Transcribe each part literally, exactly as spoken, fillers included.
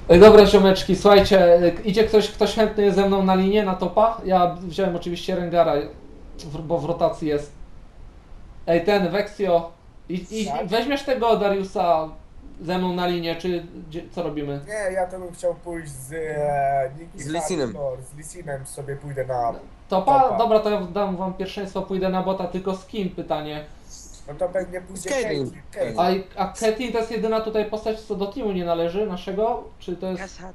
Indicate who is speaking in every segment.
Speaker 1: Ej, dobra ziomeczki, słuchajcie, idzie ktoś, ktoś chętny jest ze mną na linię, na topa? Ja wziąłem oczywiście Rengara, w- bo w rotacji jest. Ej, ten, Vexio, i, i,
Speaker 2: Tak?
Speaker 1: weźmiesz tego Dariusa ze mną na linię, czy gdzie, co robimy?
Speaker 2: Nie, ja to bym chciał pójść z e, Nicky
Speaker 3: Z Lisinem.
Speaker 2: Hardcore, z Lisinem sobie pójdę na
Speaker 1: Topa?
Speaker 2: topa.
Speaker 1: Dobra, to ja dam wam pierwszeństwo, pójdę na bota, tylko z kim pytanie?
Speaker 2: No to pewnie pójdzie
Speaker 3: Z Caitlyn.
Speaker 2: Caitlyn.
Speaker 1: A, a Caitlyn to jest jedyna tutaj postać, co do teamu nie należy, naszego? Czy to jest...
Speaker 4: Kasad.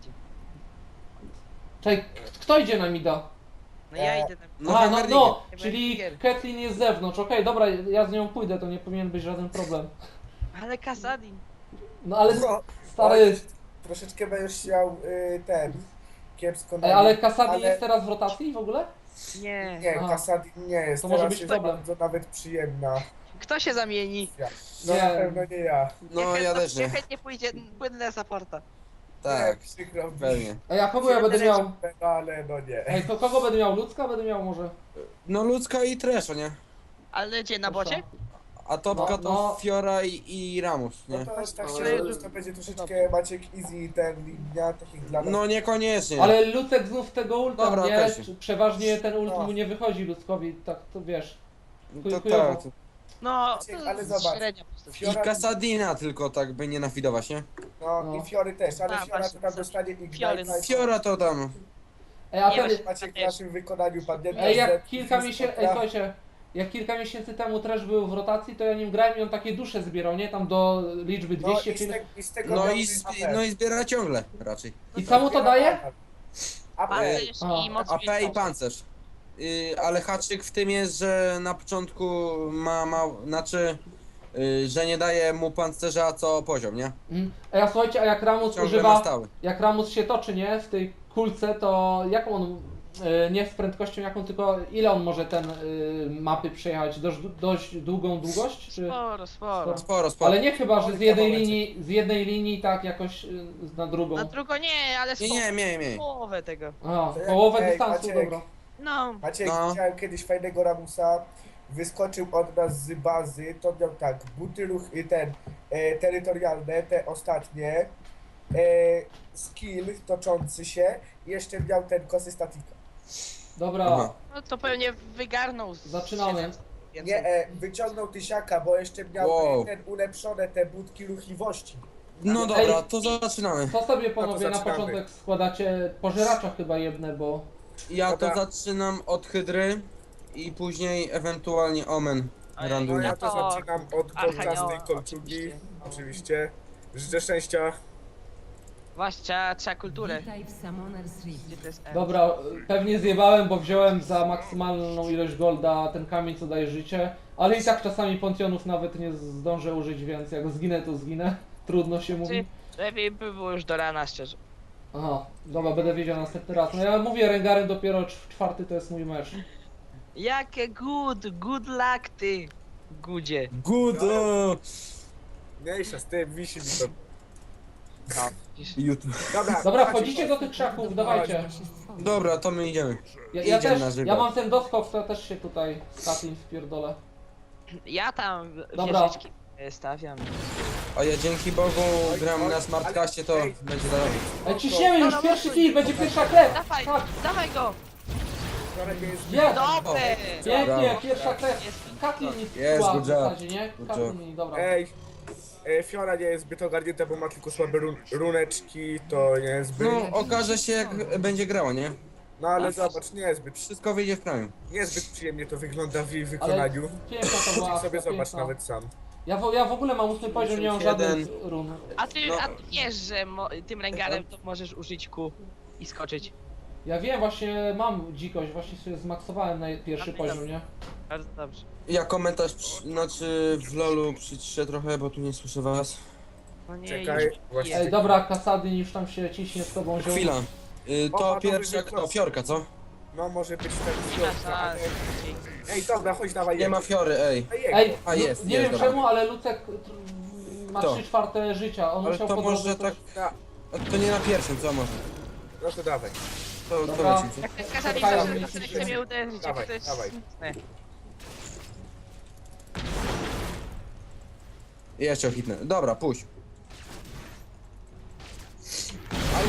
Speaker 1: Czekaj, k- kto idzie na mida?
Speaker 4: No ja
Speaker 2: E,
Speaker 4: idę na...
Speaker 3: No,
Speaker 1: A, no,
Speaker 3: Hammerdinger.
Speaker 1: no, czyli
Speaker 4: Hammerdinger.
Speaker 1: Caitlyn jest z zewnątrz, okej, dobra, ja z nią pójdę, to nie powinien być żaden problem.
Speaker 4: Ale Kasadin.
Speaker 1: No ale
Speaker 2: No,
Speaker 1: stary,
Speaker 2: oj, troszeczkę będziesz chciał y, ten kiepsko
Speaker 1: ej, ale Kasadi
Speaker 2: ale-
Speaker 1: jest teraz w rotacji w ogóle?
Speaker 4: Nie.
Speaker 2: Nie,
Speaker 1: Aha.
Speaker 2: Kasadi nie jest,
Speaker 1: To może
Speaker 2: teraz
Speaker 1: być
Speaker 2: jest
Speaker 1: problem.
Speaker 2: bardzo nawet przyjemna.
Speaker 4: Kto się zamieni?
Speaker 2: Ja. No
Speaker 1: Nie.
Speaker 2: na pewno nie ja.
Speaker 3: No ja też nie.
Speaker 4: Niech chętnie pójdzie, płynę na supporta.
Speaker 3: Tak,
Speaker 2: Nie, przykro mi.
Speaker 3: pewnie.
Speaker 1: Ej, a kogo ja będę miał?
Speaker 2: Ale no nie.
Speaker 1: Ej, to kogo będę miał? Ludzka będę miał może?
Speaker 3: No ludzka i Tresha, nie?
Speaker 4: Ale gdzie, na bocie?
Speaker 3: A topka
Speaker 1: No,
Speaker 3: to
Speaker 1: no.
Speaker 3: Fiora i, i Ramus,
Speaker 2: No
Speaker 3: nie?
Speaker 2: to tak
Speaker 4: Ale-
Speaker 2: się to będzie troszeczkę Maciek easy ten linia takich dla nas.
Speaker 3: No niekoniecznie.
Speaker 1: Ale Lucek znów tego ulta,
Speaker 3: Dobra,
Speaker 1: nie?
Speaker 3: okej.
Speaker 1: Czy- Przeważnie ten ult
Speaker 2: No.
Speaker 1: mu nie wychodzi Ludzkowi, tak to wiesz.
Speaker 3: To
Speaker 1: chujowo.
Speaker 3: tak.
Speaker 4: No,
Speaker 2: Maciek,
Speaker 4: to
Speaker 2: ale
Speaker 4: jest
Speaker 2: zobacz.
Speaker 4: średnia postać.
Speaker 3: I Kasadina tylko tak by nie nafidować, nie?
Speaker 2: No,
Speaker 1: No.
Speaker 2: i Fiory też, ale
Speaker 4: A,
Speaker 2: Fiora to
Speaker 4: właśnie,
Speaker 2: tam
Speaker 4: co-
Speaker 2: dostanie
Speaker 4: Fiory,
Speaker 2: Ignite.
Speaker 3: Fiora to tam.
Speaker 1: Ej, a
Speaker 4: Nie,
Speaker 1: ten...
Speaker 4: właśnie-
Speaker 2: Maciek w naszym wykonaniu padnie.
Speaker 1: Ej, jak kilka miesięcy... Ej, słuchajcie. Jak kilka miesięcy temu Trash był w rotacji, to ja nim grałem i on takie dusze zbierał, nie? Tam do liczby
Speaker 2: No
Speaker 1: dwieście,
Speaker 2: i z,
Speaker 1: czyli...
Speaker 2: te, i z tego
Speaker 3: No
Speaker 2: miał
Speaker 3: i,
Speaker 2: ten
Speaker 3: z,
Speaker 2: A P.
Speaker 3: no i zbiera ciągle raczej.
Speaker 1: I co mu to daje?
Speaker 2: A P.
Speaker 4: Pancerz
Speaker 1: A,
Speaker 4: i moc
Speaker 3: A P i
Speaker 4: wilkoła.
Speaker 3: pancerz. Yy, ale haczyk w tym jest, że na początku ma, ma znaczy, yy, że nie daje mu pancerza co poziom, nie?
Speaker 1: Mm. Ej, a słuchajcie, a jak Ramus
Speaker 3: Ciągle ma
Speaker 1: używa...
Speaker 3: stały.
Speaker 1: Jak Ramus się toczy, nie? W tej kulce, to jaką on... y, nie z prędkością jaką, tylko ile on może ten y, mapy przejechać? Dość, dość długą długość? Czy...
Speaker 4: Sporo, sporo.
Speaker 3: Sporo, sporo.
Speaker 1: Ale nie chyba, że z
Speaker 2: Kilka
Speaker 1: jednej
Speaker 2: momencie.
Speaker 1: linii, z jednej linii tak jakoś y, na drugą.
Speaker 4: Na drugą nie, ale
Speaker 3: Nie,
Speaker 4: sporo.
Speaker 3: nie, nie, nie.
Speaker 4: Połowę tego.
Speaker 1: A,
Speaker 2: To jak-
Speaker 1: połowę
Speaker 2: ej,
Speaker 1: dystansu,
Speaker 2: Maciek.
Speaker 1: dobra.
Speaker 4: No.
Speaker 2: Maciek,
Speaker 3: No.
Speaker 2: widziałem kiedyś fajnego Ramusa, wyskoczył od nas z bazy, to miał tak, buty ruch, y, ten, e, terytorialne, te ostatnie, e, skill toczący się, i jeszcze miał ten kosy statika.
Speaker 1: Dobra,
Speaker 3: Aha.
Speaker 4: No to pewnie wygarnął z
Speaker 1: Zaczynamy.
Speaker 4: siedem więcej.
Speaker 2: Nie, e, wyciągnął tysiaka, bo jeszcze miał
Speaker 3: Wow.
Speaker 2: e, ten ulepszone te budki ruchliwości.
Speaker 3: No dobra, to zaczynamy.
Speaker 1: co sobie panowie na
Speaker 2: zaczynamy.
Speaker 1: początek składacie? Pożeracza chyba jedne, bo...
Speaker 3: Ja to
Speaker 2: Dobra.
Speaker 3: zaczynam od Hydry i później ewentualnie Omen
Speaker 4: A ja-
Speaker 2: No
Speaker 3: randomnie.
Speaker 2: ja to
Speaker 4: to
Speaker 2: zaczynam od
Speaker 4: Archanioła,
Speaker 2: kolczastej kolczugi,
Speaker 4: oczywiście.
Speaker 2: oczywiście. Życzę szczęścia.
Speaker 4: Właśnie, trzeba, trzeba kulturę.
Speaker 5: Witaj w Summoner's Rift.
Speaker 4: Gdzie to jest M?
Speaker 1: Dobra, pewnie zjebałem, bo wziąłem za maksymalną ilość golda ten kamień, co daje życie. Ale i tak czasami pontionów nawet nie zdążę użyć, więc jak zginę, to zginę. Trudno się mówi.
Speaker 4: Czy lepiej by było już do rana, szczerze.
Speaker 1: Aha, dobra, będę wiedział następny raz. No ja mówię, Rengarem dopiero cz- czwarty to jest mój mecz.
Speaker 4: Jakie good, good luck ty, gudzie.
Speaker 3: Good! o,
Speaker 2: Mniejsza z tym, wisi mi to.
Speaker 4: No, widzisz.
Speaker 3: YouTube.
Speaker 2: Dobra,
Speaker 1: Dobra,
Speaker 2: Maciek,
Speaker 1: wchodzicie do tych krzaków, dawajcie.
Speaker 5: Się stworzyć.
Speaker 3: Dobra, to my idziemy.
Speaker 1: Ja, ja
Speaker 3: Idziemy
Speaker 1: też,
Speaker 3: na żywo.
Speaker 1: ja mam ten doskok, to ja też się tutaj z Katlin wpierdolę.
Speaker 4: Ja tam
Speaker 1: Dobra.
Speaker 4: wieżyczki e, stawiam.
Speaker 3: A ja dzięki Bogu gram na smartcaście, to
Speaker 2: Ej,
Speaker 3: będzie dalej.
Speaker 1: Ej, ciśniemy już,
Speaker 4: Dobra,
Speaker 1: pierwszy
Speaker 4: mocno.
Speaker 1: kill, będzie pierwsza krew!
Speaker 4: Dawaj,
Speaker 1: Tak,
Speaker 4: dawaj go!
Speaker 1: jest!
Speaker 2: Wczoraj jest
Speaker 4: Dobre!
Speaker 1: Pięknie,
Speaker 3: Brawo.
Speaker 1: pierwsza krew.
Speaker 4: Jest.
Speaker 1: Katlin
Speaker 3: Jest,
Speaker 1: była w
Speaker 3: good job.
Speaker 1: zasadzie, nie?
Speaker 3: Good
Speaker 1: Katlin, dobra.
Speaker 2: Ej, e, Fiora nie jest zbyt ogarnięta, bo ma tylko słabe run runeczki, to nie jest zbyt...
Speaker 3: No, okaże się jak będzie grała, nie?
Speaker 2: No ale zobacz, nie jest zbyt,
Speaker 3: Wszystko wyjdzie w praniu.
Speaker 2: niezbyt przyjemnie to wygląda w jej
Speaker 1: Ale
Speaker 2: wykonaniu.
Speaker 1: piękna to była
Speaker 2: I
Speaker 1: akcja,
Speaker 2: sobie zobacz
Speaker 1: piękna.
Speaker 2: nawet sam.
Speaker 1: Ja w, ja w ogóle mam ósmy poziom, nie mam żadnych run.
Speaker 4: A ty,
Speaker 3: No.
Speaker 4: a ty wiesz, że mo, tym rengarem to możesz użyć kół i skoczyć.
Speaker 1: Ja wiem, właśnie mam dzikość, właśnie sobie zmaksowałem na pierwszy poziom, nie?
Speaker 4: Bardzo dobrze.
Speaker 3: Ja komentarz, przy, znaczy w lolu przyciszę trochę, bo tu nie słyszę was.
Speaker 4: No nie,
Speaker 2: Czekaj,
Speaker 4: już
Speaker 2: właśnie-
Speaker 4: jest.
Speaker 1: Ej, dobra, Kasadyn już tam się ciśnie z tobą ziom.
Speaker 3: Chwila. Y,
Speaker 2: O,
Speaker 3: to
Speaker 2: a to
Speaker 3: pierwsza,
Speaker 2: będzie
Speaker 3: kto? Fiorka, co?
Speaker 2: No może być ten
Speaker 4: Nasza,
Speaker 2: Fiorka, ale... Ej, dobra, chodź dawaj
Speaker 3: Nie
Speaker 2: jego.
Speaker 3: ma Fiory, ej.
Speaker 2: Ej, jego.
Speaker 1: Ej,
Speaker 3: A,
Speaker 1: Lu-
Speaker 3: jest,
Speaker 1: nie
Speaker 3: jest,
Speaker 1: wiem
Speaker 3: dobra.
Speaker 1: czemu, ale Lucek tr- ma
Speaker 3: Kto?
Speaker 1: trzy czwarte życia, on
Speaker 3: Ale
Speaker 1: musiał
Speaker 3: to
Speaker 1: po
Speaker 3: może
Speaker 1: drodze
Speaker 3: tak...
Speaker 1: coś-
Speaker 3: To nie na pierwszym, co może?
Speaker 2: No to dawaj,
Speaker 3: To, to
Speaker 1: Dobra.
Speaker 3: lecimy, co?
Speaker 4: Jak ten kazali,
Speaker 1: Czekają,
Speaker 4: że
Speaker 1: nie
Speaker 4: chce
Speaker 1: słyszę.
Speaker 4: mnie uderzyć,
Speaker 2: Dawaj,
Speaker 4: jak to jest
Speaker 2: dawaj.
Speaker 4: smutne.
Speaker 3: I jeszcze hitnę. Dobra, puść.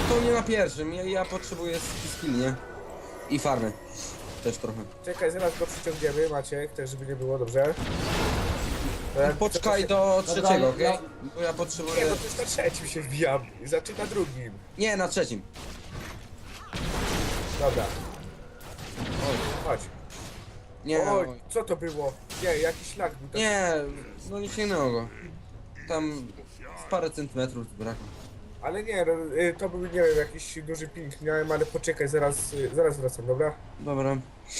Speaker 3: to nie na pierwszym, ja, ja potrzebuję skill, nie? I farmy. Też trochę.
Speaker 2: Czekaj, zaraz go przyciągniemy, Maciek, tak żeby nie było, dobrze? To jak-
Speaker 3: Poczekaj
Speaker 2: to-
Speaker 3: do trzeciego, okej?
Speaker 1: ja-
Speaker 3: Bo ja
Speaker 2: Nie,
Speaker 3: potrzebuję...
Speaker 2: no to już na trzecim się wbijam. I zaczyna drugim.
Speaker 3: Nie, na trzecim.
Speaker 2: Dobra.
Speaker 3: Oj,
Speaker 2: Chodź.
Speaker 3: nie,
Speaker 2: Oj,
Speaker 3: oj.
Speaker 2: co to było? Nie, jakiś lag był. taki.
Speaker 3: Nie, no nie sięgnęło go. Tam z parę centymetrów brakło.
Speaker 2: Ale nie, no, y, to był, nie wiem, jakiś duży ping miałem, ale poczekaj, zaraz, y, zaraz wracam, dobra?
Speaker 3: Dobra.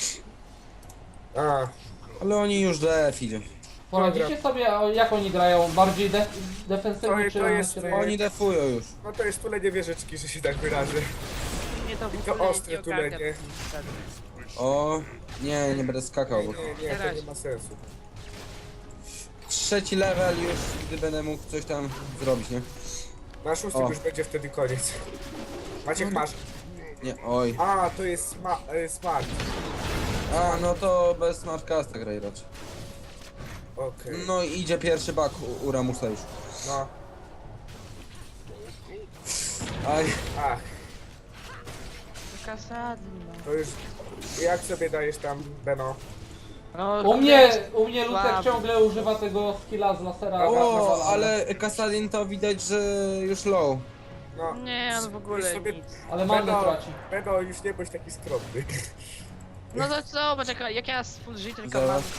Speaker 2: A,
Speaker 3: Ale oni już def idzie.
Speaker 1: Poradzicie sobie, o, jak oni grają? Bardziej def
Speaker 2: To-
Speaker 1: defensywnie
Speaker 2: to
Speaker 1: czy
Speaker 2: jest,
Speaker 1: czy-
Speaker 2: e,
Speaker 3: Oni defują już.
Speaker 2: no to jest tulenie wieżyczki, że się tak wyrażę.
Speaker 4: Nie to w
Speaker 2: to
Speaker 4: ogóle
Speaker 2: ostre
Speaker 4: nie ogarnia
Speaker 2: tulenie.
Speaker 4: tych zasad.
Speaker 3: O, nie, nie będę skakał,
Speaker 2: Nie,
Speaker 3: bo...
Speaker 2: nie, nie, to nie ma sensu.
Speaker 3: Trzeci level już, gdy będę mógł coś tam zrobić, nie?
Speaker 2: Na szóstym
Speaker 3: O.
Speaker 2: już będzie wtedy koniec. Maciek, masz.
Speaker 3: Nie, oj.
Speaker 2: A, to jest sma y, smart.
Speaker 3: A, no to bez smartcasta graj raczej.
Speaker 2: Okej.
Speaker 3: No i idzie pierwszy bug u, u Ramusa już.
Speaker 2: No.
Speaker 3: Aj,
Speaker 2: Ach,
Speaker 4: Kasady, no.
Speaker 2: to już... Jak sobie dajesz tam, Beno?
Speaker 4: No,
Speaker 1: U mnie, u mnie Lutek
Speaker 4: Słaby.
Speaker 1: ciągle używa tego skilla z lasera.
Speaker 2: Dobra,
Speaker 3: o,
Speaker 1: nawalania.
Speaker 3: ale Kasadin to widać, że już low.
Speaker 2: No.
Speaker 4: Nie, on w ogóle
Speaker 2: Już sobie-
Speaker 4: nic.
Speaker 1: Ale manę
Speaker 2: Beno,
Speaker 1: traci.
Speaker 2: Beno, już nie bądź taki skromny.
Speaker 4: No to co, poczekaj, jak ja z full życia tylko mam...
Speaker 3: Zaraz.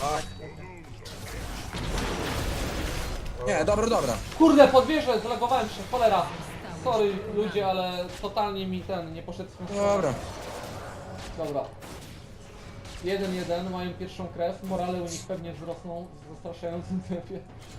Speaker 3: Nie, dobra, dobra.
Speaker 1: Kurde, podwierzę, zlagowałem się, cholera. Sorry ludzie, ale totalnie mi ten nie poszedł w tą stronę.
Speaker 3: Dobra.
Speaker 1: Dobra. jeden jeden, mają pierwszą krew, morale u nich pewnie wzrosną w zastraszającym tempie.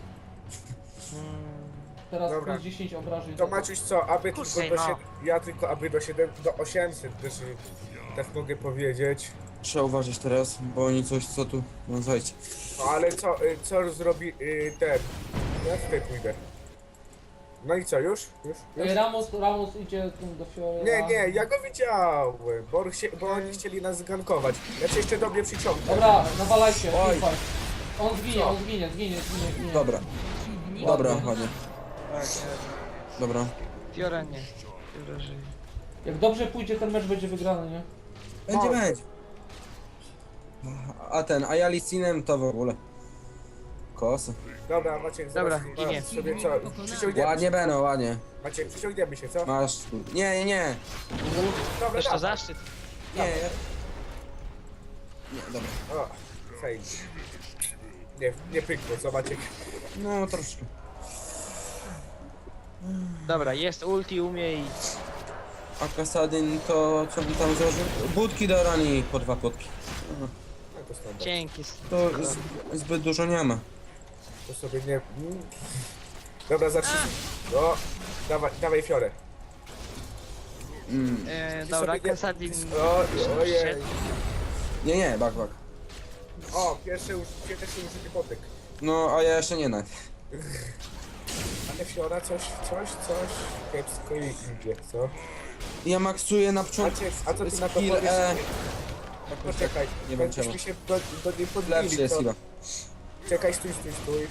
Speaker 1: Teraz
Speaker 2: Dobra.
Speaker 1: plus dziesięć obrażeń.
Speaker 2: To Maciuś co, aby
Speaker 4: Kurde,
Speaker 2: tylko do
Speaker 4: no.
Speaker 2: siedem, ja tylko aby do siedem, do osiemset też y, tak mogę powiedzieć.
Speaker 3: Trzeba uważać teraz, bo oni coś co tu... No słuchajcie.
Speaker 2: No ale co, y, co zrobi y, ten? Ja tutaj pójdę. No i co, już? Już? już?
Speaker 1: Ej, Ramos, Ramos idzie tu do Fiora.
Speaker 2: Nie, nie, ja go widziałem, bo, on chcie, bo oni chcieli nas zgankować. Ja cię jeszcze do mnie przyciągnę.
Speaker 1: Dobra, nawalajcie,
Speaker 3: Oj.
Speaker 1: teamfight. On zginie,
Speaker 2: Co?
Speaker 1: on zginie, zginie, zginie, zginie.
Speaker 3: Dobra, dobra, ładnie.
Speaker 4: Tak,
Speaker 3: Dobra.
Speaker 4: Fiora nie. Fiora żyje.
Speaker 1: Jak dobrze pójdzie, ten mecz będzie wygrany, nie?
Speaker 3: Będzie,
Speaker 2: No.
Speaker 3: będzie. A ten, a ja Licinem to w ogóle. Kosa.
Speaker 2: Dobra, Maciek, zaraz
Speaker 4: Dobra,
Speaker 2: zaraz
Speaker 4: ginie.
Speaker 2: sobie co, przyciągniemy
Speaker 3: Ładnie
Speaker 2: się.
Speaker 3: Beno, ładnie.
Speaker 2: Maciek, przyciągniemy się, co?
Speaker 3: Masz tu. Nie, nie, nie.
Speaker 2: Dobra,
Speaker 4: Też to
Speaker 2: dawaj.
Speaker 4: zaszczyt.
Speaker 3: Nie, ja... Nie, dobra.
Speaker 2: O, fajnie. Nie, nie pykło, co Maciek?
Speaker 3: No, troszkę.
Speaker 4: Dobra, jest ulti u mnie i...
Speaker 3: A Kasadin to co by tam założył? Budki do rani po dwa płotki.
Speaker 2: No to standard.
Speaker 4: Dzięki.
Speaker 3: To z, zbyt dużo nie ma.
Speaker 2: To sobie nie... mm. Dobra, zacznij. O, dawaj, dawaj fiorę.
Speaker 3: Mm.
Speaker 4: E,
Speaker 2: Ty
Speaker 4: dobra,
Speaker 2: sobie nie-
Speaker 4: Kasadin...
Speaker 2: O, ojej.
Speaker 3: Nie, nie, bak, bak.
Speaker 2: O, pierwszy już, pierwszy użyty potyk.
Speaker 3: No, a ja jeszcze nie na.
Speaker 2: Ale fiora coś, coś, coś kiepsko i idzie, co?
Speaker 3: Ja maksuję na początku.
Speaker 2: Maciek, a co ty na to
Speaker 3: skill
Speaker 2: powiesz?
Speaker 3: E.
Speaker 2: Poczekaj,
Speaker 3: Nie wiem
Speaker 2: będziemy
Speaker 3: czemu.
Speaker 2: się do, do niej
Speaker 3: Lepszy
Speaker 2: podbili,
Speaker 3: jest
Speaker 2: to...
Speaker 3: chyba.
Speaker 2: Czekaj, stój, stój, stój.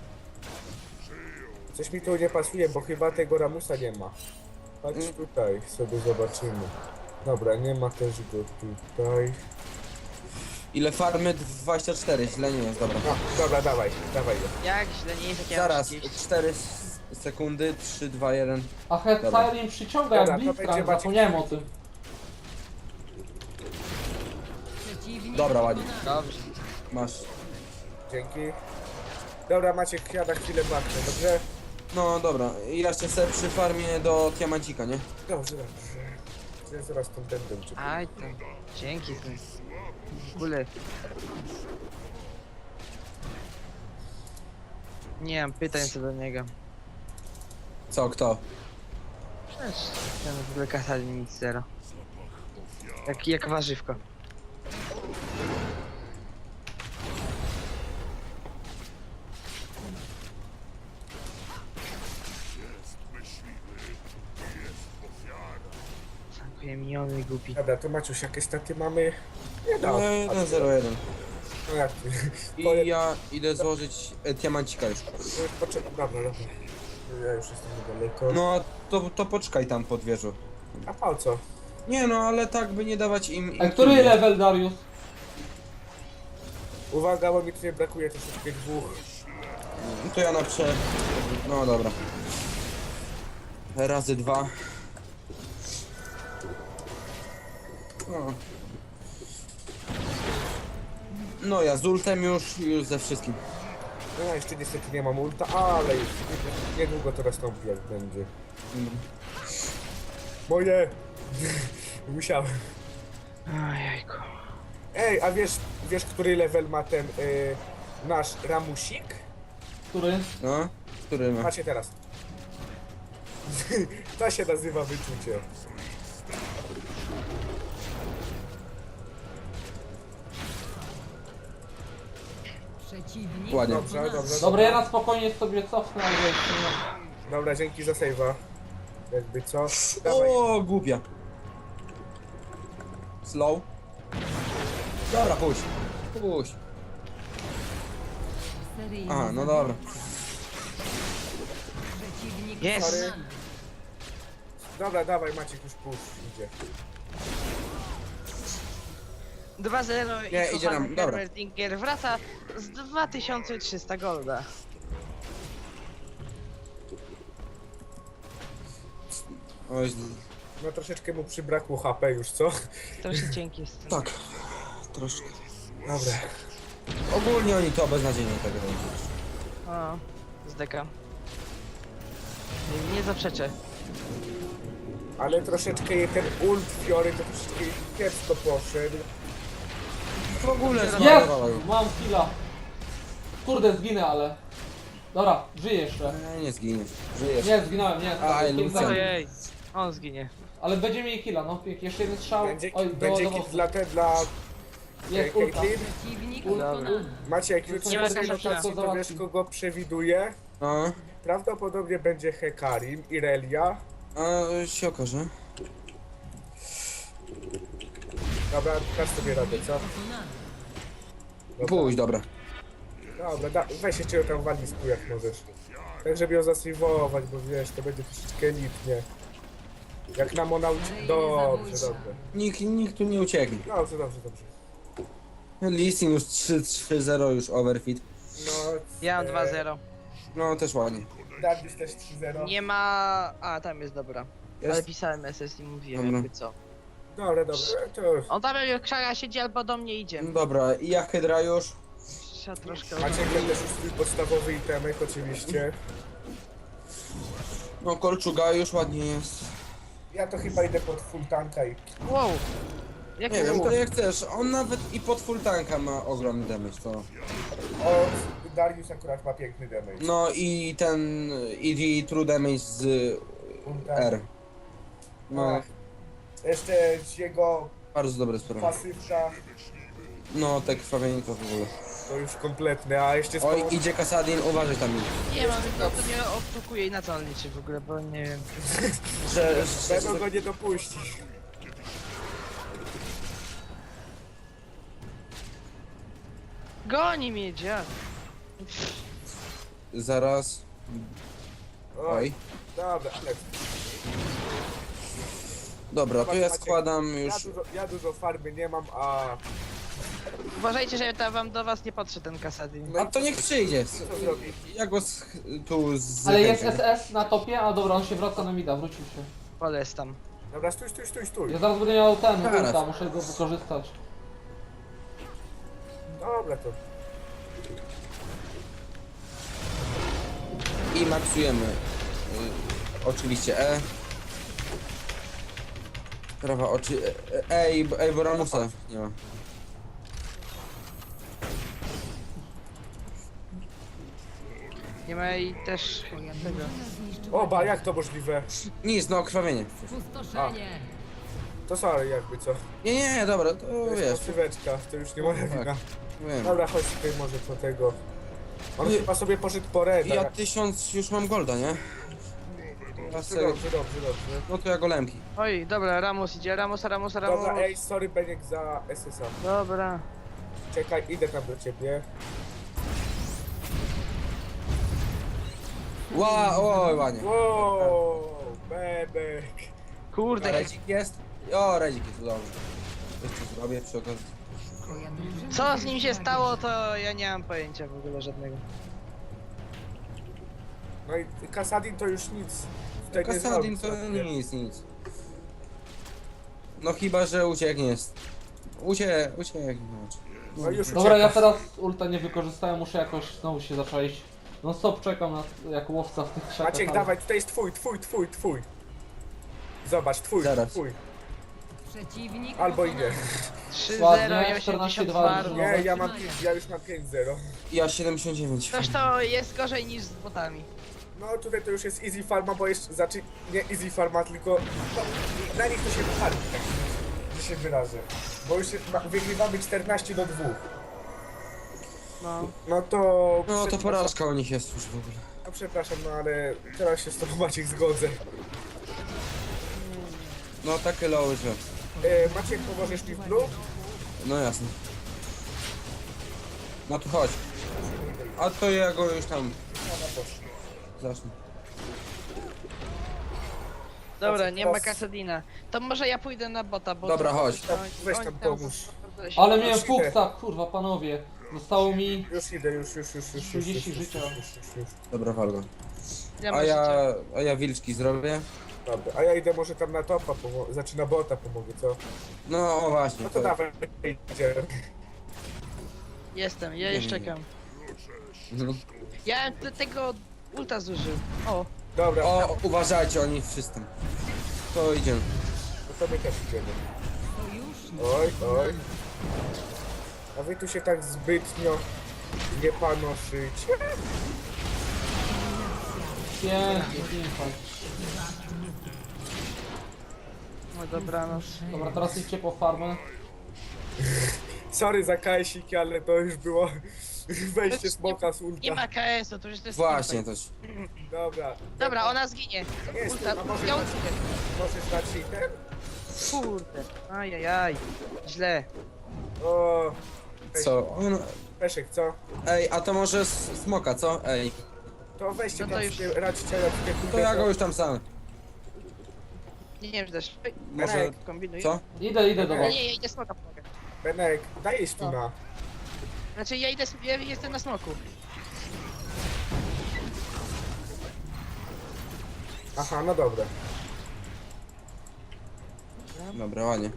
Speaker 2: Coś mi tu nie pasuje, bo chyba tego Ramusa nie ma. Chodź
Speaker 3: Mm.
Speaker 2: tutaj, sobie zobaczymy. Dobra, nie ma też go tutaj.
Speaker 3: Ile farmy? dwadzieścia cztery, źle nie jest, dobra.
Speaker 2: No, dobra, dawaj, dawaj go.
Speaker 4: Jak źle nie jest, jak ja mam
Speaker 3: Zaraz,
Speaker 4: trzydzieści.
Speaker 3: cztery sekundy, trzy, dwa, jeden.
Speaker 1: A Headfire przyciąga
Speaker 2: Dobra,
Speaker 1: jak
Speaker 2: to będzie
Speaker 1: Blitzcrank,
Speaker 2: Maciek.
Speaker 1: zapomniałem o tym.
Speaker 3: Dobra, ładnie.
Speaker 4: Dobrze.
Speaker 3: Masz.
Speaker 2: Dzięki. Dobra, Maciek, ja na chwilę baknę, dobrze?
Speaker 3: No dobra, i jeszcze sobie przy farmie do Tiamancika, nie?
Speaker 2: Dobrze, dobrze. Ja zaraz tą będę uczył.
Speaker 4: Aj tam. Dzięki. Ty. W ogóle... Nie mam pytań co do niego.
Speaker 3: Co, kto?
Speaker 4: Przecież ten w ogóle Kasadin nic zero. Jak, jak warzywko. Sankuje miniony głupi.
Speaker 2: Dobra, to Maciuś, jakie staty mamy? Nie
Speaker 3: No,
Speaker 2: no.
Speaker 3: jeden zero jeden.
Speaker 2: No jak ty?
Speaker 3: I ja idę złożyć e, Tiamancika już.
Speaker 2: Poczekaj, dobra, dobra. Ja już jestem niedaleko.
Speaker 3: No, to, to poczekaj tam pod wieżą.
Speaker 2: A po co?
Speaker 3: Nie no, ale tak by nie dawać im... im
Speaker 1: A który
Speaker 3: kilku.
Speaker 1: level, Darius?
Speaker 2: Uwaga, bo mi tutaj brakuje troszeczkę dwóch.
Speaker 3: To ja na prze... No dobra. Razy dwa. No. No ja z ultem już, już ze wszystkim.
Speaker 2: No ja jeszcze niestety nie mam ulta, ale już niedługo to nastąpi jak będzie. Moje! Musiałem.
Speaker 4: Ojejku.
Speaker 2: Ej, a wiesz, wiesz który level ma ten y, nasz Ramusik?
Speaker 1: Który?
Speaker 3: No, który ma?
Speaker 2: Patrzcie teraz. To się nazywa wyczucie.
Speaker 5: Przeciwnik
Speaker 3: Ładnie.
Speaker 2: Dobrze, dobrze,
Speaker 1: Dobra,
Speaker 2: dobra.
Speaker 1: ja na spokojnie sobie cofnę, ale jeszcze nie.
Speaker 2: Dobra, dzięki za save'a. Jakby co? Dawaj.
Speaker 3: O, głupia. Slow. Dobra, puść. Puść.
Speaker 5: seryjny
Speaker 3: Aha, no
Speaker 5: zabójca.
Speaker 3: dobra.
Speaker 5: Przeciwnik
Speaker 4: Jest.
Speaker 5: pokonany.
Speaker 2: Dobra, dawaj Maciek już push, idzie.
Speaker 4: dwa zero i
Speaker 3: Nie, idzie nam,
Speaker 4: kochany
Speaker 3: dobra.
Speaker 4: Herbert Dinger wraca z dwa tysiące trzysta golda.
Speaker 3: Oj,
Speaker 2: No troszeczkę mu przybrakło H P już, co?
Speaker 4: Troszkę cienki jest.
Speaker 3: tak. Troszkę.
Speaker 2: Dobra.
Speaker 3: Ogólnie oni to beznadziejnie tak robią.
Speaker 4: O, z deka. Nie, nie zaprzeczę.
Speaker 2: Ale troszeczkę jej ten ult Fiory to troszeczkę kiepsko poszedł.
Speaker 3: W ogóle
Speaker 1: Jest!
Speaker 3: zmarnowała ją.
Speaker 1: Mam killa. Kurde, zginę, ale... Dobra, żyję jeszcze.
Speaker 3: E, Nie zginie. Żyjesz.
Speaker 1: Nie, zginąłem, nie.
Speaker 3: A,
Speaker 1: pięć
Speaker 3: Lucja.
Speaker 1: sekund.
Speaker 4: Ojej, on zginie.
Speaker 1: Ale będzie mieli killa, no. pięk- Jeszcze jeden strzał.
Speaker 2: Będzie,
Speaker 1: Oj, do,
Speaker 2: będzie
Speaker 1: do,
Speaker 2: kit
Speaker 1: do,
Speaker 2: dla te, dla
Speaker 1: Jest ulta.
Speaker 2: Caitlyn.
Speaker 5: Przeciwnik
Speaker 1: Dobra.
Speaker 5: pokonany.
Speaker 2: Maciek, już
Speaker 1: Nie
Speaker 2: nie
Speaker 1: ma
Speaker 2: sobie
Speaker 1: sensu,
Speaker 2: notacji,
Speaker 1: to
Speaker 2: to wiesz
Speaker 1: załatwi.
Speaker 2: kogo przewiduje?
Speaker 3: No,
Speaker 2: Prawdopodobnie będzie Hekarim, Irelia.
Speaker 3: a się okaże.
Speaker 2: Dobra, dasz sobie radę, co?
Speaker 5: Pokonany.
Speaker 2: Dobra.
Speaker 3: Pójdź, dobra.
Speaker 2: Dobra, da, weź jeszcze ją tam walizku jak możesz. Tak, żeby ją zasejwować, bo wiesz, to będzie troszeczkę elitnie. Jak nam ona uci... Dobrze, dobrze.
Speaker 3: Nikt, nikt tu nie ucieknie.
Speaker 2: Dobrze, dobrze, dobrze.
Speaker 3: Listing już trzy trzy zero już overfit.
Speaker 2: No,
Speaker 4: Ja mam
Speaker 2: e,
Speaker 4: dwa zero.
Speaker 3: No też ładnie.
Speaker 2: Darius też trzy zero.
Speaker 4: Nie ma... A, tam jest dobra. Ale
Speaker 3: Jest?
Speaker 4: pisałem S S i mówiłem
Speaker 3: Dobra.
Speaker 4: jakby co.
Speaker 2: Dobra, dobra, to już.
Speaker 4: On tam jak krzaka siedzi albo do mnie idzie.
Speaker 3: Dobra, i ja Hydra już.
Speaker 4: Trzeba troszkę...
Speaker 2: Macie też już swój podstawowy itemek oczywiście.
Speaker 3: No kolczuga już ładnie jest.
Speaker 2: Ja to chyba idę pod full tanka i...
Speaker 4: Wow! Jak
Speaker 3: Nie
Speaker 4: nie
Speaker 3: wiem,
Speaker 4: było?
Speaker 3: to jak chcesz. On nawet i pod full tanka ma ogromny damage, to...
Speaker 2: O, Darius akurat ma piękny damage.
Speaker 3: No i ten... i true damage z
Speaker 2: Full tank.
Speaker 3: R. No,
Speaker 2: Ach, Jeszcze z jego
Speaker 3: bardzo dobre sprawa.
Speaker 2: pasywka
Speaker 3: No, te krwawienie to w ogóle.
Speaker 2: to już kompletne, a jeszcze z
Speaker 3: Oj,
Speaker 2: pomocą...
Speaker 3: idzie Kasadin, uważaj tam.
Speaker 4: Nie mam, to, to nie odtukuje i na co on liczy w ogóle, bo nie wiem.
Speaker 3: Że, że,
Speaker 2: Będą go nie dopuścić.
Speaker 4: Goni mnie, dziad.
Speaker 3: zaraz...
Speaker 2: Oj,
Speaker 3: Oj.
Speaker 2: dobra, ale
Speaker 3: Dobra, to ja składam
Speaker 2: ja
Speaker 3: już...
Speaker 2: dużo, ja dużo farmy nie mam, a
Speaker 4: Uważajcie, że tam wam do was nie patrzy ten Kasadin.
Speaker 3: A to niech przyjdzie.
Speaker 2: co zrobi?
Speaker 3: Ja go z, tu z...
Speaker 1: Ale jest S S na topie, a dobra, on się wraca na mida, wrócił się.
Speaker 4: Poles tam.
Speaker 2: Dobra, stój, stój, stój, stój.
Speaker 1: Ja zaraz będę miał ten
Speaker 3: Zaraz.
Speaker 1: ulta, muszę go wykorzystać.
Speaker 2: Dobra, to
Speaker 3: I maksujemy. Y, oczywiście E. Prawa oczy... E, e, ej, ej, bo Ramusa nie ma.
Speaker 4: Nie ma i też tego.
Speaker 5: Zniszczył
Speaker 2: Oba, jak to możliwe?
Speaker 3: Nic, no krwawienie.
Speaker 5: pustoszenie.
Speaker 2: To sorry, jakby co.
Speaker 3: Nie, nie, nie, dobra, to
Speaker 2: To jest
Speaker 3: wiesz.
Speaker 2: pasyweczka, to już nie moja
Speaker 3: Tak.
Speaker 2: wina.
Speaker 3: Wiem.
Speaker 2: Dobra, chodź tutaj może po tego. On
Speaker 3: Nie.
Speaker 2: chyba sobie poszedł po reda.
Speaker 3: Ja tysiąc już mam golda, nie? Teraz
Speaker 2: Dobrze,
Speaker 3: sobie-
Speaker 2: dobrze, dobrze, dobrze.
Speaker 3: No to ja golemki.
Speaker 4: Oj, dobra, Ramus idzie, Ramus, Ramus, Ramus.
Speaker 2: Dobra, ej, sorry Beniek za S S A.
Speaker 4: Dobra.
Speaker 2: Czekaj, idę tam do ciebie.
Speaker 3: Ła, oj, ładnie.
Speaker 2: Wow, bebek.
Speaker 3: A
Speaker 4: Kurde,
Speaker 3: Redzik jest? O, Redzik jest, dobrze. Jeszcze zrobię przy okazji.
Speaker 5: Twoja drużyna
Speaker 4: co z nim się
Speaker 5: wygrała.
Speaker 4: stało, to ja nie mam pojęcia w ogóle żadnego.
Speaker 2: No i Kasadin to już nic tutaj nie
Speaker 3: Kasadin
Speaker 2: zrobi.
Speaker 3: to nic, nic. No chyba, że ucieknie. Ucie, ucieknie.
Speaker 2: No już
Speaker 1: Dobra, ja
Speaker 2: uciekasz.
Speaker 1: teraz ulta nie wykorzystałem, muszę jakoś znowu się zaczaić. No stop, czekam na, jak łowca w tych krzakach.
Speaker 2: Maciek,
Speaker 1: ale-
Speaker 2: dawaj, tutaj jest twój, twój, twój, twój. Zobacz, twój,
Speaker 3: Zaraz.
Speaker 2: twój.
Speaker 5: Przeciwnik
Speaker 2: Albo
Speaker 5: pokonany.
Speaker 2: idę.
Speaker 4: trzy
Speaker 1: Ładnie,
Speaker 4: zero i
Speaker 1: czternaście
Speaker 4: osiemdziesiąt
Speaker 1: dwa
Speaker 4: farm.
Speaker 1: drużynowe.
Speaker 2: Nie, ja mam pięć, ja już mam pięć zero.
Speaker 3: Ja siedemdziesiąt dziewięć.
Speaker 4: Coś to jest gorzej niż z botami.
Speaker 2: No tutaj to już jest easy farma, bo jeszcze, znaczy nie easy farma, tylko no, na nich to się farmi, tak że się wyrażę. Bo już jest, ma, wygrywamy czternaście do dwóch.
Speaker 4: No.
Speaker 2: No to...
Speaker 3: No to
Speaker 2: przepraszam-
Speaker 3: porażka u nich jest już w ogóle.
Speaker 2: No przepraszam, no ale teraz się z tobą Maciek zgodzę.
Speaker 3: No takie loły, że...
Speaker 2: E, Maciek, pomożesz mi w blue?
Speaker 3: No jasne. No to chodź. A to ja go już tam
Speaker 2: Ona poszła.
Speaker 3: zacznę.
Speaker 4: Dobra, nie ma
Speaker 2: Teraz-
Speaker 4: Kasadina. To może ja pójdę na bota, bo...
Speaker 3: Dobra,
Speaker 4: to-
Speaker 3: chodź.
Speaker 4: to-
Speaker 2: Weź
Speaker 4: oni
Speaker 2: tam pomóż.
Speaker 4: się-
Speaker 1: Ale miałem
Speaker 2: Już idę.
Speaker 1: fuksa, kurwa panowie. Zostało mi...
Speaker 2: Już idę, już, już, już, już, już,
Speaker 1: trzydzieści
Speaker 2: już, już,
Speaker 1: życia.
Speaker 2: już, już, już, już.
Speaker 3: Dobra, walgo.
Speaker 4: Ja
Speaker 3: A
Speaker 4: mam
Speaker 3: ja,
Speaker 4: życie.
Speaker 3: a ja wilczki zrobię.
Speaker 2: Dobra, a ja idę może tam na topa, pomo- znaczy na bota pomogę, co?
Speaker 3: No o właśnie.
Speaker 2: No to dawaj, idzie.
Speaker 4: Jestem, ja już
Speaker 3: Nie, nie, nie.
Speaker 4: czekam.
Speaker 3: Mhm.
Speaker 4: Ja te- tego ulta zużył. O,
Speaker 2: Dobra,
Speaker 3: O, uważajcie, oni wszyscy. To idziemy.
Speaker 2: to my też idziemy.
Speaker 5: Sojusznik
Speaker 2: Oj, oj.
Speaker 5: pokonany.
Speaker 2: A wy tu się tak zbytnio nie panoszycie.
Speaker 1: Pięknie, pięknie.
Speaker 4: no dobranoc.
Speaker 1: Dobra, teraz idźcie po farmę.
Speaker 2: Sorry za kajsiki, ale to już było wejście smoka z
Speaker 4: Nie
Speaker 2: ulta.
Speaker 4: ma K S-u, to już to jest
Speaker 3: Właśnie,
Speaker 4: teamfight.
Speaker 3: też.
Speaker 2: Dobra.
Speaker 4: Dobra, ona zginie.
Speaker 2: Jest,
Speaker 4: Ulta,
Speaker 2: a może
Speaker 4: ja
Speaker 2: dać-
Speaker 4: uciekam.
Speaker 2: Możesz dać jej ten?
Speaker 4: Kurde. Ajajaj. Źle.
Speaker 2: O,
Speaker 3: Co? On...
Speaker 2: Peszek, co?
Speaker 3: Ej, a to może s- smoka, co? Ej,
Speaker 2: To weźcie
Speaker 4: No to
Speaker 2: tam
Speaker 4: już-
Speaker 2: sobie radźcie, radźcie.
Speaker 3: to ja go już tam sam.
Speaker 4: Nie wiem, że też.
Speaker 3: Może...
Speaker 4: Kombinuj.
Speaker 3: Co?
Speaker 1: Idę, idę do
Speaker 4: Nie,
Speaker 1: was.
Speaker 4: nie, ja idę smoka pomogę.
Speaker 2: Benek, dajesz tu na.
Speaker 4: Znaczy ja idę sobie, ja jestem na smoku.
Speaker 2: Aha, no dobra.
Speaker 3: Dobra, ładnie.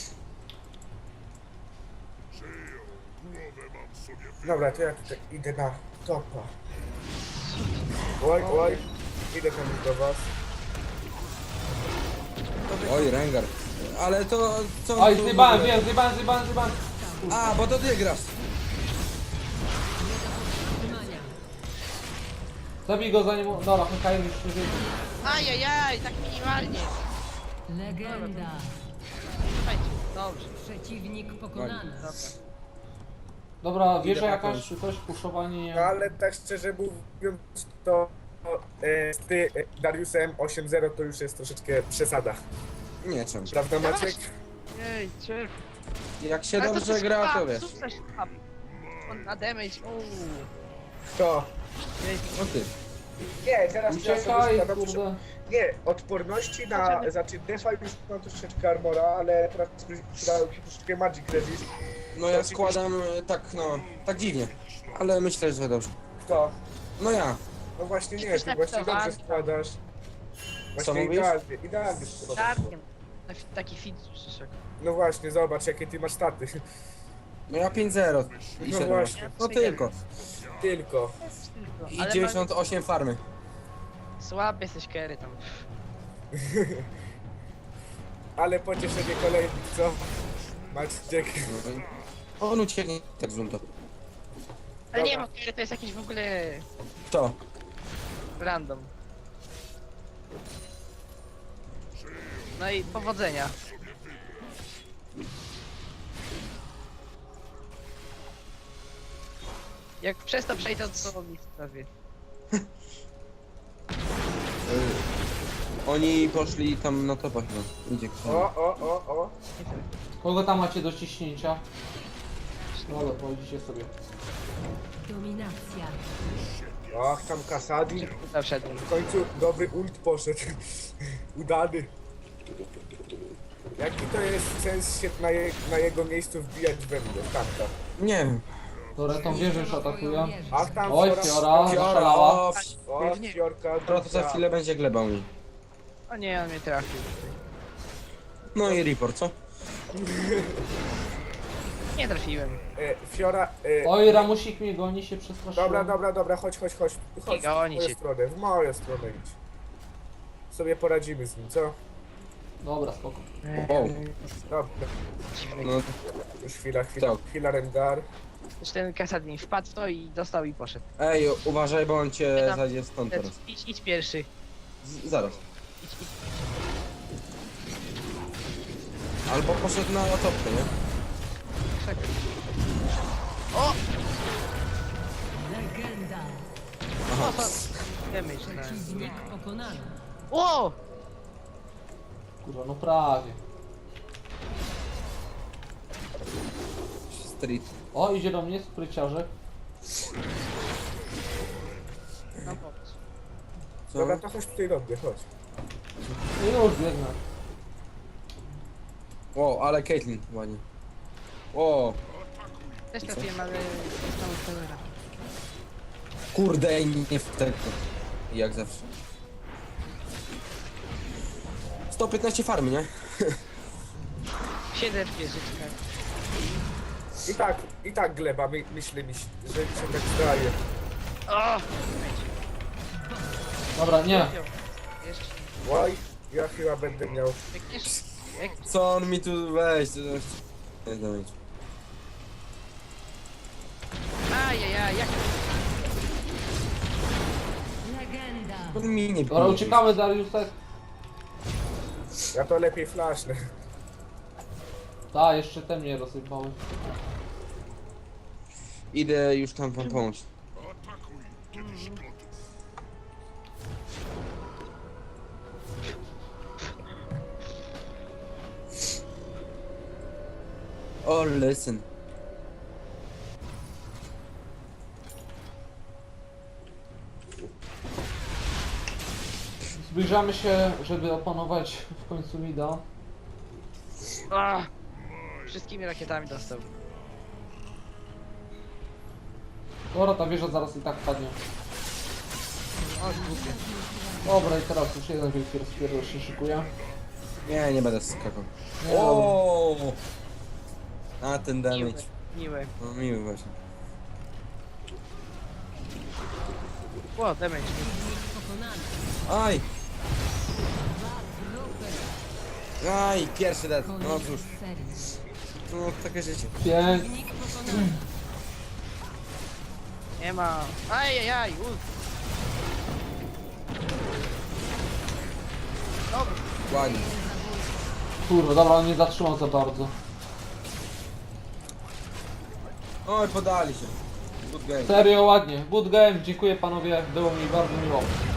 Speaker 2: Dobra, to ja tutaj idę na topa. Oj, oj. Idę tam już do was.
Speaker 3: Oj, Rengar. Ale to... co on
Speaker 1: Oj,
Speaker 3: tu w
Speaker 1: zjebałem,
Speaker 3: ogóle?
Speaker 1: wiem, zjebałem, zjebałem, zjebałem.
Speaker 3: A, bo to ty grasz.
Speaker 5: Trzymania.
Speaker 1: Zabij go zanim... Dobra, Hekajem już nie żyje.
Speaker 4: Ajajaj, tak minimalnie.
Speaker 5: Legenda.
Speaker 4: Słuchajcie, dobrze.
Speaker 5: Przeciwnik pokonany.
Speaker 4: Dobra.
Speaker 1: Dobra, wieża
Speaker 3: Idę
Speaker 1: jakaś
Speaker 3: jakąś.
Speaker 1: czy coś, puszowanie...
Speaker 2: No ale tak szczerze mówiąc, to e, z ty e, Dariusem osiem zero to już jest troszeczkę przesada.
Speaker 3: Nie, czemu?
Speaker 2: Prawda Maciek?
Speaker 4: Jej, czy...
Speaker 3: Jak się
Speaker 4: Ale
Speaker 3: dobrze
Speaker 4: jest
Speaker 3: gra, to
Speaker 4: słab,
Speaker 3: wiesz.
Speaker 4: super słab. On na damage, uuu.
Speaker 2: To.
Speaker 4: Jej,
Speaker 3: No ty.
Speaker 2: Nie, teraz ja sobie
Speaker 1: Uciekaj,
Speaker 2: składam-
Speaker 1: kurde.
Speaker 2: Nie, odporności na, znaczy defa już mam troszeczkę armora, ale teraz przydałem się troszeczkę magic resist.
Speaker 3: No ja składam e, tak, no, tak dziwnie. Ale myślę, że dobrze.
Speaker 2: Kto?
Speaker 3: No ja.
Speaker 2: No właśnie nie,
Speaker 4: Jesteś
Speaker 2: ty właśnie dobrze
Speaker 4: napisowany.
Speaker 2: składasz.
Speaker 3: Co
Speaker 2: Właśnie
Speaker 3: mówisz?
Speaker 2: idealnie, idealnie składasz.
Speaker 4: Darkiem. Taki fit przyszedł.
Speaker 2: No właśnie, zobacz jakie ty masz staty.
Speaker 3: No ja pięć zero. I
Speaker 2: No
Speaker 3: siedem.
Speaker 2: właśnie.
Speaker 3: No tylko.
Speaker 2: Tylko.
Speaker 3: I
Speaker 4: Ale
Speaker 3: dziewięćdziesiąt osiem farmy.
Speaker 4: ma... Słaby jesteś Kerry tam.
Speaker 2: Ale pocieszenie kolejnych, co? Maciek.
Speaker 3: On ucieknie tak z to.
Speaker 4: Ale nie,
Speaker 2: Dobra.
Speaker 4: bo Kerry to jest jakiś w ogóle
Speaker 3: Kto?
Speaker 4: random. No i powodzenia. Jak przez to przejdę, to mi sprawie.
Speaker 3: Oni poszli tam na topa chyba. Idzie ktoś.
Speaker 2: O, o, o, o.
Speaker 1: Kogo tam macie do ciśnięcia? Dobra, pojedziecie sobie.
Speaker 5: Dominacja.
Speaker 2: Ach, tam Kasadin.
Speaker 4: Zawszedłem.
Speaker 2: W końcu dobry ult poszedł. Udany. Jaki to jest sens się na, je, na jego miejscu wbijać we mnie? Tamta.
Speaker 3: Nie wiem.
Speaker 1: Dobra, tą wieżę już atakują.
Speaker 2: Ach, tam
Speaker 1: Oj,
Speaker 2: Fiora.
Speaker 1: Fiora,
Speaker 3: Fiora,
Speaker 1: zaszalała.
Speaker 3: o,
Speaker 2: O, Fiorka.
Speaker 3: Fiora to za chwilę będzie glebał mi.
Speaker 4: O nie, on mnie trafił.
Speaker 3: No i report, co?
Speaker 4: Nie trafiłem.
Speaker 2: E, Fiora. E,
Speaker 1: Oj, Ramusik mnie goni, się przestraszyłem.
Speaker 2: Dobra, dobra, dobra, chodź, chodź, chodź. Chodź
Speaker 4: Nie goni
Speaker 2: w moją
Speaker 4: cię.
Speaker 2: stronę, w moją stronę idź. Sobie poradzimy z nim, co?
Speaker 1: Dobra, spoko.
Speaker 3: O.
Speaker 2: Dobra,
Speaker 4: Dziwny.
Speaker 3: No,
Speaker 2: już chwila, chwila,
Speaker 3: Tak.
Speaker 2: chwila Rengar.
Speaker 4: Już ten Kasadin wpadł w to i dostał i poszedł.
Speaker 3: ej, uważaj, bo on cię
Speaker 4: Nie tam.
Speaker 3: zajdzie stąd teraz.
Speaker 4: Idź, idź pierwszy.
Speaker 3: Z, zaraz.
Speaker 4: Idź, idź.
Speaker 3: Albo poszedł na topkę, nie?
Speaker 4: Czekaj. O!
Speaker 5: Legenda.
Speaker 4: O, to... Damage na...
Speaker 5: Przeciwnik pokonany.
Speaker 4: O!
Speaker 1: Kurwa, no prawie.
Speaker 3: Street.
Speaker 1: O, idzie do mnie spryciarzek.
Speaker 4: No popatrz.
Speaker 3: Co?
Speaker 2: Dobra, to chodź tutaj do mnie, chodź.
Speaker 1: I już biegnę.
Speaker 3: O, ale Caitlyn ładnie. O,
Speaker 4: Też trafiłem, ale... Zostało kamera.
Speaker 3: kurde, ej, nie w tego. Jak zawsze. sto piętnaście farmy, nie?
Speaker 4: Siedzę w wieżyczkach.
Speaker 2: I tak, i tak gleba, my, myślę mi, się, że się tak zdaje.
Speaker 4: O!
Speaker 1: Dobra, nie.
Speaker 4: Jeszcze.
Speaker 2: Oj, ja chyba będę miał.
Speaker 4: Biegniesz? Jak?
Speaker 3: Co on mi tu weź? to- Nie dam.
Speaker 4: Ajajaj, jak...
Speaker 5: Legenda.
Speaker 3: On mi nie
Speaker 1: Dobra, uciekamy, Dariusek.
Speaker 2: Ja to lepiej flashnę.
Speaker 1: Ta, jeszcze te mnie rozsypały.
Speaker 3: Idę już tam wam pomóc. Oh, listen.
Speaker 1: Zbliżamy się, żeby opanować w końcu mida.
Speaker 4: A! Wszystkimi rakietami dostał.
Speaker 1: Dobra, ta wieża zaraz i tak padnie.
Speaker 4: O, głupie.
Speaker 1: Dobra, i teraz już jeden wielki rozpierdol się szykuje.
Speaker 3: Nie, nie będę skakał.
Speaker 1: Nie, dobra.
Speaker 3: O! A ten
Speaker 4: Miły.
Speaker 3: damage.
Speaker 4: Miły.
Speaker 3: No miły właśnie.
Speaker 4: O, damage.
Speaker 5: Pokonany.
Speaker 3: Aj!
Speaker 5: Dwa trupy.
Speaker 3: Aj, pierwszy dead. No
Speaker 5: Koniec
Speaker 3: cóż,
Speaker 5: serii.
Speaker 3: no takie życie.
Speaker 1: Pięknie.
Speaker 5: Przeciwnik pokonany.
Speaker 4: Nie ma. Ajajaj, ul. Dobra.
Speaker 3: Ładnie.
Speaker 1: Kurwa, dobra, on nie zatrzymał za bardzo.
Speaker 3: Oj, podali się. Good game.
Speaker 1: Serio, ładnie. Good game, dziękuję panowie, było mi bardzo miło.